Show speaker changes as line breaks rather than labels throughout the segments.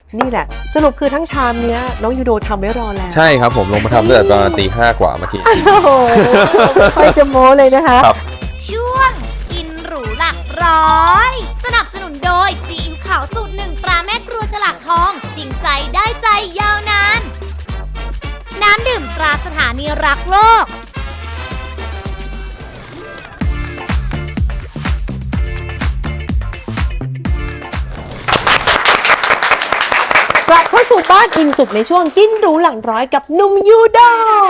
นี่แหละสรุปคือทั้งชามเนี้ยน้องยูโดทำไว้รอแล้ว
ใช่ครับผมลงมาทำตั้งแต่ตอนตี 5 กว่าเมื่อกี้
โอ้โหค่อยจะโม้เลยนะคะ
ครับ
ช่วงกินหรูหลักร้อยสนับสนุนโดยซีอิ๊วขาวสูตร 1ตราแม่ครัวฉลากทองจริงใจได้ใจยาวนานน้ำดื่มตราสถานีรักโลก
กลับเข้าสู่บ้านอิ่มสุขในช่วงกินหรูหลังร้อยกับหนุ่มยูโด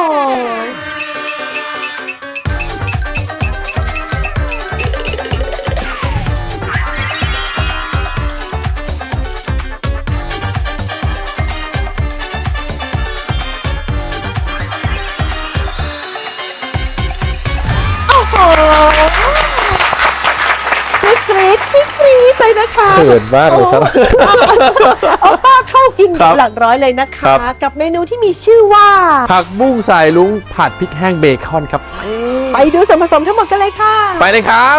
โอ้โหกรี๊ดเลยนะคะ
เขินมากเลยครับ
เอาป้าเข้ากิน
ครับ
หลักร้อยเลยนะคะ
ครับ
กับเมนูที่มีชื่อว่า
ผักบุ้งสายลุงผัดพริกแห้งเบคอนครับ
ไปดูส่วนผสมทั้งหมดกันเลยค่ะ
ไปเลยครับ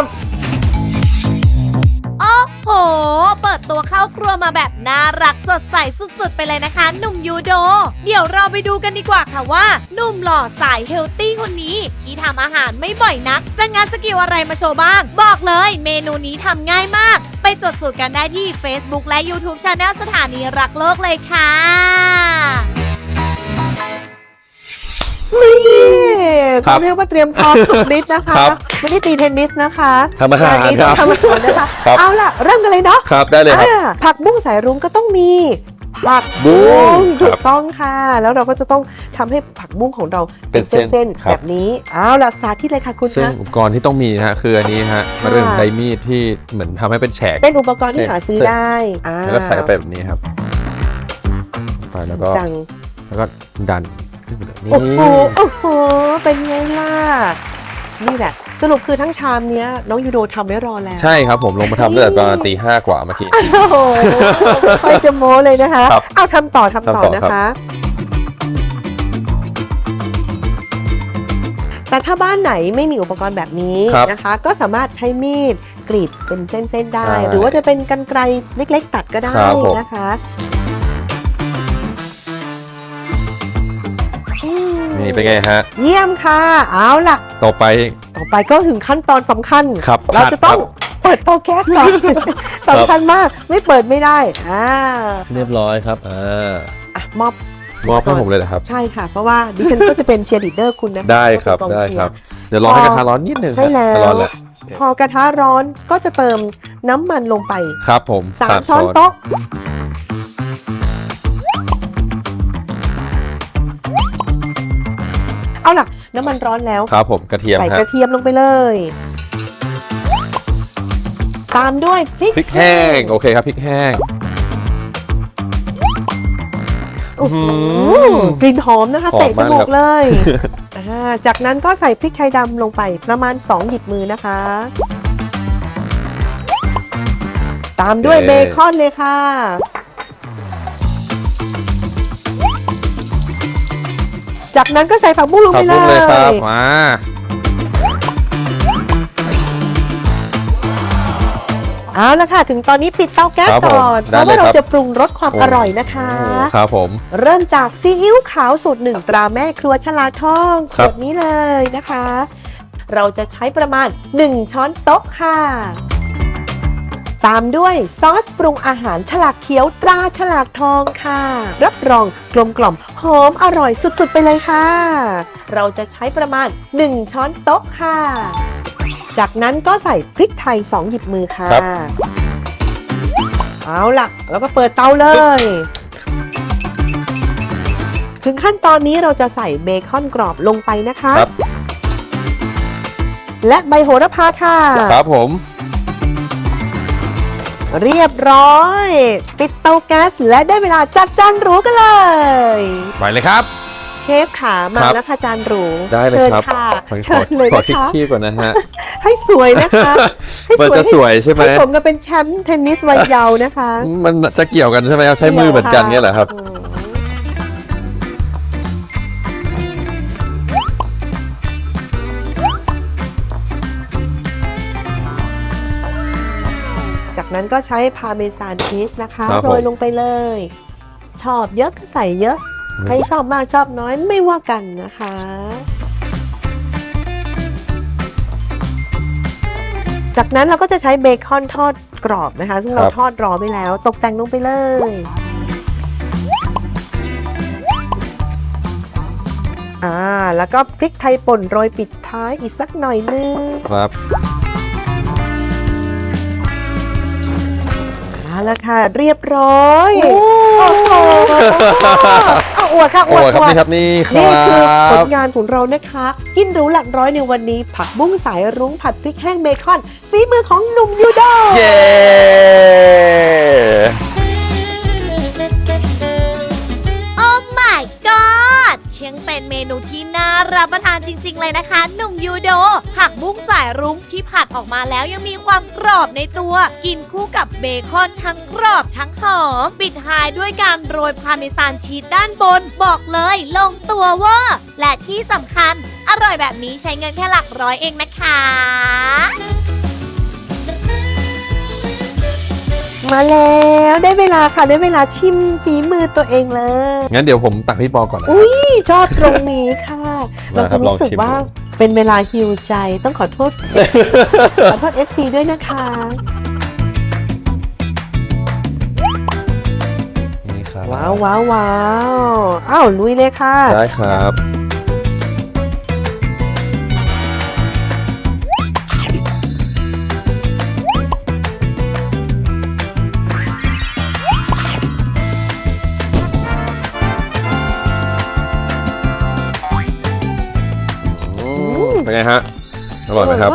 โอ้โห เปิดตัวเข้าครัวมาแบบน่ารักสดใสสุดๆ ไปเลยนะคะ หนุ่มยูโด เดี๋ยวเราไปดูกันดีกว่าค่ะว่าหนุ่มหล่อสายเฮลตี้คนนี้ ที่ทำอาหารไม่บ่อยนัก จะงัดสกิลอะไรมาโชว์บ้าง บอกเลยเมนูนี้ทำง่ายมาก ไปจดสูตรกันได้ที่ Facebook และ YouTube Channel สถานีรักโลกเลยค่ะ
นี่
ครั
เขา
บ
เรียกว่าเตรียมพร้อมสุดฤทธิ์นะคะ
ครับ
ไม่ได้ตีเทนนิสนะคะ
ทำอาหาร
งนนี้
ครับ
ทำอาหารนะคะ
ครับ
เอาล่ะ เริ่มกันเลยเนาะ
ครับได้เลยครับ
ผักบุ้งสายรุ้งก็ต้องมีผัก
บุ้
บุ้
ง
งถู
ครั
ก
บ
ต้องค่ะ แล้วเราก็จะต้องทำให้ผักบุ้งของเรา
เป็นเส้น
เส้น
ครั
ๆแบบ บนี้เอาล่ะสาธิตเลยค่ะคุณ
ซึ่ง
คะ
อุปกรณ์ที่ต้องมีนะฮะคืออันนี้ฮะมันเป็นใบมีดที่เหมือนทำให้เป็นแฉก
เป็นอุปกรณ์ที่หาซื้อ
เส้น
ได้
แล้วก็ใส่เข้าไปแบบนี้ครับไปแล้วก็
จัง
ดันขึ้นไปเลยนี่
โอ้โหโอ้โหเป็นไงล่ะนี่แหละสรุปคือทั้งชามเนี้ยน้องยูโดทำไว้รอแล้ว
ใช่ครับผมลงมาทำตั้งแต่ตอนตี 5 กว่าเมื่อกี้
โอ้โหค่อยจะโม้เลยนะคะ
ครับ
เอาทำต่อนะ
ครั
คะ
บ
แต่ถ้าบ้านไหนไม่มีอุปกรณ์แบบนี้
ครับ
นะคะ ก็สามารถใช้มีดกรีดเป็นเส้นๆได้
ใช่
หรือว่าจะเป็นกรรไกรเล็กๆ ตัดก็ได้
ครับผม
นะคะอืม
นี่เป็นไงฮะ
เยี่ยมค่ะ เอาล่ะ
ต่อไป
ต่อไปก็ถึงขั้นตอนสำคัญ
ครับ
เราจะต้อง
ครับ
เปิดเตาแก๊สก่อน สำคัญมากไม่เปิดไม่ได้
เรียบร้อยครับ
อ่ะมอบ
มอบให้ผมเลยนะครับ
ใช่ค่ะ เพราะว่าดิฉันก็จะเป็นเชียร์ลีดเดอร์คุณนะคะ
ได้ครับ
เป็นกอง
ได้
เชีย
ครับ เดี๋ยวรอให้กระทะร้อนนิดนึง
ใช่แล้ว
ร้อนแล้ว
พอกระทะร้อนก็จะเติมน้ำมันลงไป
ครับผม
3 ช้อนโต๊ะ เอาล่ะ น้ำมันร้อนแล้ว
ครับผมกระเทียม
ใส่
ฮะ
กระเทียมลงไปเลย ตามด้วยพริก
พริกแห้งโอเคครับพริกแห้ง
โอ้โห
อื้อหือก
ลิ่นหอมนะคะ
หอม
เตะจมู
มากครั
ก
บ
เลยจากนั้นก็ใส่พริกไทยดำลงไปประมาณ 2 หยิบมือนะคะ ตามด้วยเบคอนเลยค่ะ จากนั้นก็ใส่ผักบุ้งลง
ผั
ไป
ก
เล
บุ้งเลยครับ
ย
มา
เอาละค่ะ ถึงตอนนี้ปิดเตาแก๊ส
ครับผม
ก่อนเพ
ได้
ราะ
เลย
ว่าเรา
ครับ
จะปรุงรสความอร่อยนะคะ
โอ้ครับผม
เริ่มจากซีอิ๊วขาวสูตร 1ตราแม่ครัวฉลากทองข
ครับ
วดนี้เลยนะคะ เราจะใช้ประมาณ 1 ช้อนโต๊ะค่ะ ตามด้วยซอสปรุงอาหารฉลากเขียวตราฉลากทองค่ะ รับรองกลมกล่อมหอมอร่อยสุดๆไปเลยค่ะ เราจะใช้ประมาณ 1 ช้อนโต๊ะค่ะ จากนั้นก็ใส่พริกไทย 2 หยิบมือค่ะ
ครับ
เอาล่ะ แล้วก็เปิดเตาเลย ถึงขั้นตอนนี้เราจะใส่เบคอนกรอบลงไปนะคะ
ครับ
และใบโหระพาค่ะ
ครับผม
เรียบร้อย ปิดเตาแก๊สและได้เวลาจัดจานหรูกันเลย
ไปเลยครับ
เชฟขามา
ครับ
แล้วค่ะจานหรู
ได้เลย
เชิญ
ครับ
ค่ะ
ขอ
เชิญเลย
ขอ
นะคะ
ขี้ก่อนนะฮะ
ให้สวยนะคะ ให้
มันจะสวยใช่ไหม
ให้สมกับเป็นแชมป์เทนนิสวัยเยาว์นะคะ
มันจะเกี่ยวกันใช่ไหมครับใช้มือเหมือนกันเนี่ยเหรอครับ
อืมจากนั้นก็ใช้พาเมซานชีสนะคะ
ครับผม
โรยลงไปเลยชอบเยอะก็ใส่เยอะใครชอบมากชอบน้อยไม่ว่ากันนะคะ จากนั้นเราก็จะใช้เบคอนทอดกรอบนะคะซึ่งเราทอดรอไปแล้วตกแต่งลงไปเลยแล้วก็พริกไทยป่นโรยปิดท้ายอีกสักหน่อยนึง
ครับ
เอาละค่ะเรียบร้อยโอ้โหเอาอวดค่ะอวด
ครับนี่ครับนี่
คือผลงานของเรานะคะกินหรูหลักร้อยในวันนี้ผักบุ้งสายรุ้งผัดพริกแห้งเบคอนฝีมือของหนุ่มยูโด
เย้
โอ้ my god เชียงเป็นเมนูที่น่ารับประทานจริงๆเลยนะคะหนุ่มยูโดผักบุ้งสายรุ้งที่ผัดออกมาแล้วยังมีความกรอบในตัวกินคู่กับเบคอนทั้งกรอบทั้งหอมปิดท้ายด้วยการโรยพาเมซานชีสด้านบนบอกเลยลงตัวเวอร์และที่สำคัญอร่อยแบบนี้ใช้เงินแค่หลักร้อยเองนะคะ
มาแล้วได้เวลาค่ะได้เวลาชิมฝีมือตัวเองเลย
งั้นเดี๋ยวผมตักพี่ปอก่อนนะ
นี่ชอบตรงนี้ค่ะ เราจะรู้สึก
ลองชิม
ว่าเป็นเวลาฮิวใจต้องขอโทษ ขอโทษ FC ด้วยนะคะ
นี่ครับ
ว้าวว้าวว้าวอ้าวลุยเลยค่ะ
ได้ครับ เป็นไงฮะ อร่อยไหมครับ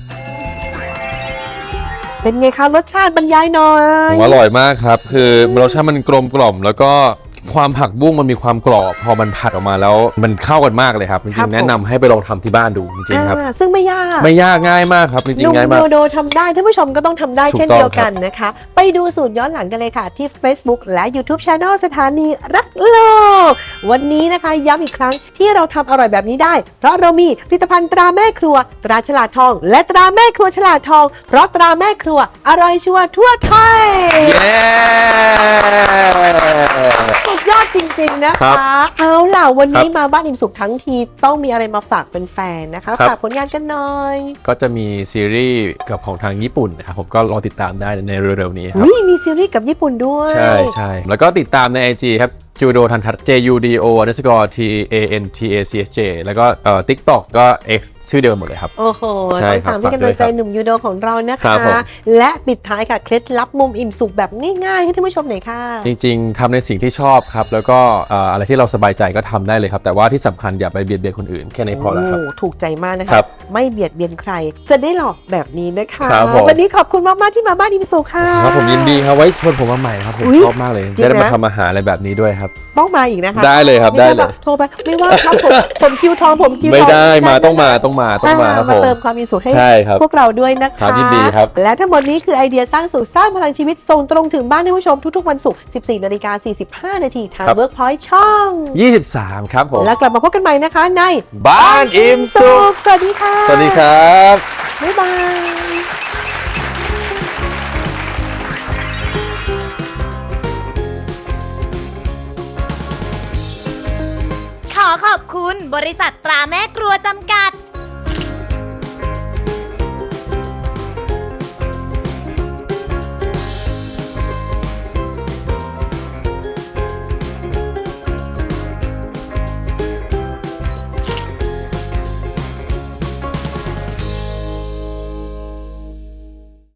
เป็นไงคะรสชาติบรรยายหน่อย
อร่อยมากครับ คือรสชาติมันกลมกล่อมแล้วก็ความผักบุ้งมันมีความกรอบพอมันผัดออกมาแล้วมันเข้ากันมากเลยครับจริงๆแนะนำให้ไปลองทำที่บ้านดูจริงๆครับ
ซึ่งไม่ยาก
ไม่ยากง่ายมากครับจริงๆง่ายมาก
โดโดทำได้ท่านผู้ชมก็ต้องทำได้
ถูกต้อง
เช่นเดียวกันนะคะ ไปดูสูตรย้อนหลังกันเลยค่ะ ที่ Facebook และ YouTube Channel สถานีรักโลก วันนี้นะคะย้ำอีกครั้งที่เราทำอร่อยแบบนี้ได้ เพราะเรามีผลิตภัณฑ์ตราแม่ครัวตราฉลาดทอง และตราแม่ครัวฉลาดทอง เพราะตราแม่ครัวอร่อยชัวร์ทั่วไทย
เย้
สุดยอดจริงๆนะคะ เอาล่ะวันนี้มาบ้านอิ่มสุขทั้งทีต้องมีอะไรมาฝากเป็นแฟนๆนะคะฝากผลงานกันหน่อย
ก็จะมีซีรีส์กับของทางญี่ปุ่นนะครับผมก็รอติดตามได้ในเร็วๆนี้ครับ
มีซีรีส์กับญี่ปุ่นด้วย
ใช่แล้วก็ติดตามใน IG ครับจูโดทันทัศน์ JUDO_TANTACHJ แล้วก็TikTok ก็ X ชื่อเดิมหมดเลยครับ
โอ้โห
ใช่
ต้อง
ครับ
ตามให้กำลังใจ
ฝากด้วยครับ
หนุ่มยูโดของเรานะ
ครั
คะ
บผม
และปิดท้ายค่ะเคล็ดลับมุมอิ่มสุขแบบง่ายๆให้ท่านผู้ชมหน่อยค่ะ
จริงๆทำในสิ่งที่ชอบครับ แล้วก็อะไรที่เราสบายใจก็ทำได้เลยครับ แต่ว่าที่สำคัญอย่าไปเบียดเบียนคนอื่นแค่นี้พอแล้วครับ
โอ้ถูกใจมากนะ
ค
คะ
รับ
ไม่เบียดเบียนใคร จะได้หลอกแบบนี้นะคะ
ครับผม
วันนี้ขอบคุณมากๆที่มาบ้านอิ่มสุขค่ะ
ครับผมยินดีครับไว้ชวนผมมาใหม่ครับผม
อุ๊ย
ชอบมากเลย
จริงนะ
ได้มาทำอาหารอะไรแบบนี้ด้วยครับ
ต้องมาอีกนะคะ
ได้เลยครับ
ม่ใช่
ได้เลย
แบบโทรไปไม่ว่าครับผมคิวทองผมคิวทอง
ไม่ได้มา
นะ
ต้องมาครับผม
เติมความมีสุขให้
ใช่ครับ
พวกเราด้วยนะ
ครั
คะ
บยินดีครับ
และทั้งหมดนี้คือไอเดียสร้างสุขสร้างพลังชีวิตส่งตรงถึงบ้านท่านผู้ชมทุกๆวันศุกร์ 14:45 นาทีทาง Workpoint ช่อง
23 ครับผม
แล้วกลับมาพบกันใหม่นะคะใน
บ้านอิ่มสุข
สวัสดีค่ะ
สวัสดีครับ
บ๊ายบาย
ขอขอบคุณบริษัทตราแม่ครัวจำกัด